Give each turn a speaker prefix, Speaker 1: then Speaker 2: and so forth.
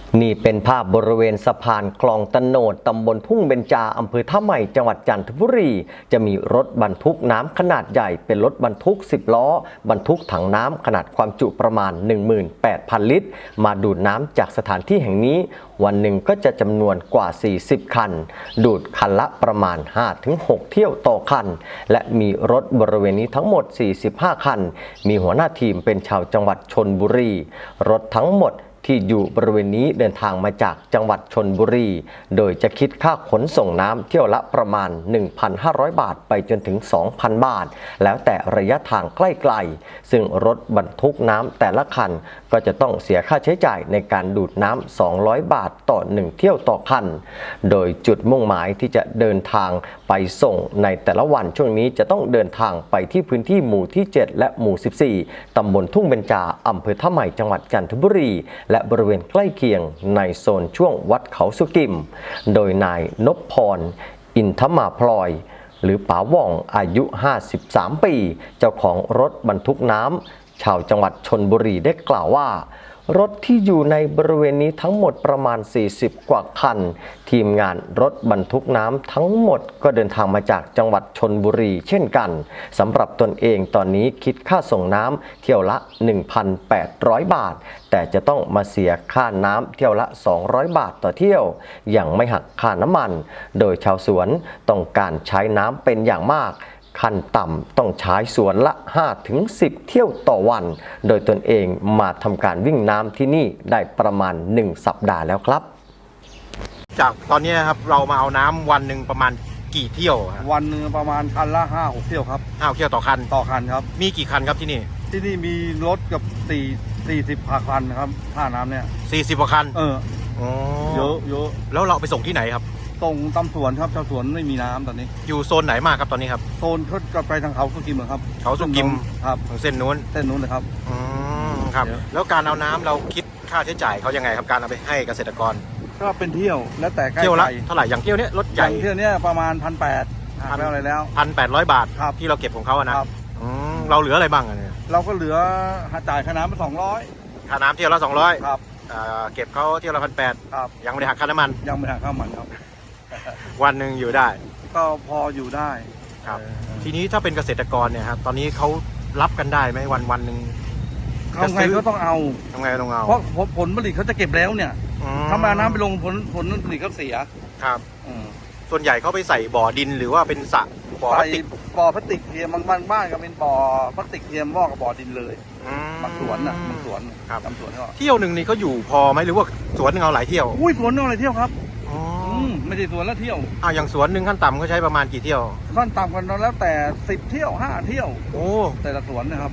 Speaker 1: นี่เป็นภาพบริเวณสะพานคลองตะโนดตำบลทุ่งเบญจาอำเภอท่าใหม่จังหวัดจันทบุรีจะมีรถบรรทุกน้ำขนาดใหญ่เป็นรถบรรทุก10ล้อบรรทุกถังน้ำขนาดความจุประมาณ 18,000 ลิตรมาดูดน้ำจากสถานที่แห่งนี้วันหนึ่งก็จะจำนวนกว่า40คันดูดคันละประมาณ 5-6 เที่ยวต่อคันและมีรถบริเวณนี้ทั้งหมด45คันมีหัวหน้าทีมเป็นชาวจังหวัดชลบุรีรถทั้งหมดที่อยู่บริเวณนี้เดินทางมาจากจังหวัดชลบุรีโดยจะคิดค่าขนส่งน้ำเที่ยวละประมาณ 1,500 บาทไปจนถึง 2,000 บาทแล้วแต่ระยะทางใกล้ๆซึ่งรถบรรทุกน้ำแต่ละคันก็จะต้องเสียค่าใช้จ่ายในการดูดน้ำ200 บาทต่อ1เที่ยวต่อคันโดยจุดมุ่งหมายที่จะเดินทางไปส่งในแต่ละวันช่วงนี้จะต้องเดินทางไปที่พื้นที่หมู่ที่7และหมู่14ตำบลทุ่งเบญจาอำเภอท่าใหม่จังหวัดจันทบุรีและบริเวณใกล้เคียงในโซนช่วงวัดเขาสุกิมโดยนายนพพรอินทมาพลอยหรือป๋าว่องอายุ53ปีเจ้าของรถบรรทุกน้ำชาวจังหวัดชลบุรีได้กล่าวว่ารถที่อยู่ในบริเวณนี้ทั้งหมดประมาณ40กว่าคันทีมงานรถบรรทุกน้ำทั้งหมดก็เดินทางมาจากจังหวัดชลบุรีเช่นกันสำหรับตนเองตอนนี้คิดค่าส่งน้ำเที่ยวละ 1,800 บาทแต่จะต้องมาเสียค่าน้ำเที่ยวละ200 บาทต่อเที่ยวยังไม่หักค่าน้ำมันโดยชาวสวนต้องการใช้น้ำเป็นอย่างมากขั้นต่ำต้องใช้สวนละ 5-10 เที่ยวต่อวันโดยตนเองมาทำการวิ่งน้ำที่นี่ได้ประมาณ1สัปดาห์แล้วครับ
Speaker 2: จากตอนนี้ครับเรามาเอาน้ำวันหนึ่งประมาณกี่เที่ยวครับ
Speaker 3: วันหนึ่งประมาณคันละ5-6 เที่ยวครับ
Speaker 2: 5 เที่ยวต่อคัน
Speaker 3: ครับ
Speaker 2: มีกี่คันครับที่นี่
Speaker 3: มีรถกับ40คันครับท่าน้ำเนี่ย
Speaker 2: 40กว่าคัน
Speaker 3: เยอะ
Speaker 2: แล้วเราไปส่งที่ไหนครับ
Speaker 3: ส่งตำสวนครับชาวสวนไม่มีน้ำตอนนี้
Speaker 2: อยู่โซนไหนมากครับตอนนี้ครับ
Speaker 3: โซนเขาจะไปทางเขาสุกิมครับ
Speaker 2: เขาสุกิม
Speaker 3: ครับ
Speaker 2: เส้นนู้น
Speaker 3: เลยครับ
Speaker 2: ครับแล้วการเอาน้ำเราคิดค่าใช้จ่ายเขายังไงครับการเอาไปให้เกษตรกร
Speaker 3: ก็เป็นเที่ยวแล้วแต่ใกล้
Speaker 2: เที่ยวละเท่าไหร่อย่างเที่ยวนี้รถใหญ่
Speaker 3: เที่ยวนี้ประมาณ1,800หักแล้วอะไรแล้ว
Speaker 2: 1,800 บาทที่เราเก็บของเขาอะนะเราเหลืออะไรบ้างอะเนี่ย
Speaker 3: เราก็เหลือจ่ายค่าน้ำไป200
Speaker 2: ค่าน้ำเที่ยวละ200
Speaker 3: ครับ
Speaker 2: เก็บเขาเที่ยวละ1,800
Speaker 3: ครับ
Speaker 2: ยังไม่ได้หักค่าน้ำมัน
Speaker 3: ยังไม่หักค่าน้ำมันครับ
Speaker 2: วันหนึ่งอยู่ได้
Speaker 3: ก็พออยู่ได้
Speaker 2: ครับทีนี้ถ้าเป็นเกษตรกรเนี่ยครับตอนนี้เขารับกันได้ไหมวันหนึ่ง
Speaker 3: ทำไงก็ต้องเอาเพราะผลผลิตเขาจะเก็บแล้วเนี่ยถ้ามาน้ำไปลงผลผลิตก็เสีย
Speaker 2: ครับส่วนใหญ่เขาไปใส่บ่อดินหรือว่าเป็นสระ
Speaker 3: บ่อพลาสติกเทียมบางบ้านก็เป็นบ่อพลาสติกเทียมวอกกับบ่อดินเลยบางสวนบางสวน
Speaker 2: ครับทำสวนเที่ยวหนึ่งนี่เขาอยู่พอไหมหรือว่าสวนหนึ่งเอาหลายเที่ยว
Speaker 3: อุ้ยสวนนึงอะไรเที่ยวครับไม่ใช่สวนละเที่ยว
Speaker 2: อย่างสวนหนึ่งขั้นต่ำเขาใช้ประมาณกี่เที่ยว
Speaker 3: ขั้นต่ำกันแล้วแต่10 เที่ยว5 เที่ยว
Speaker 2: โอ้
Speaker 3: แต่ละสวนนะครับ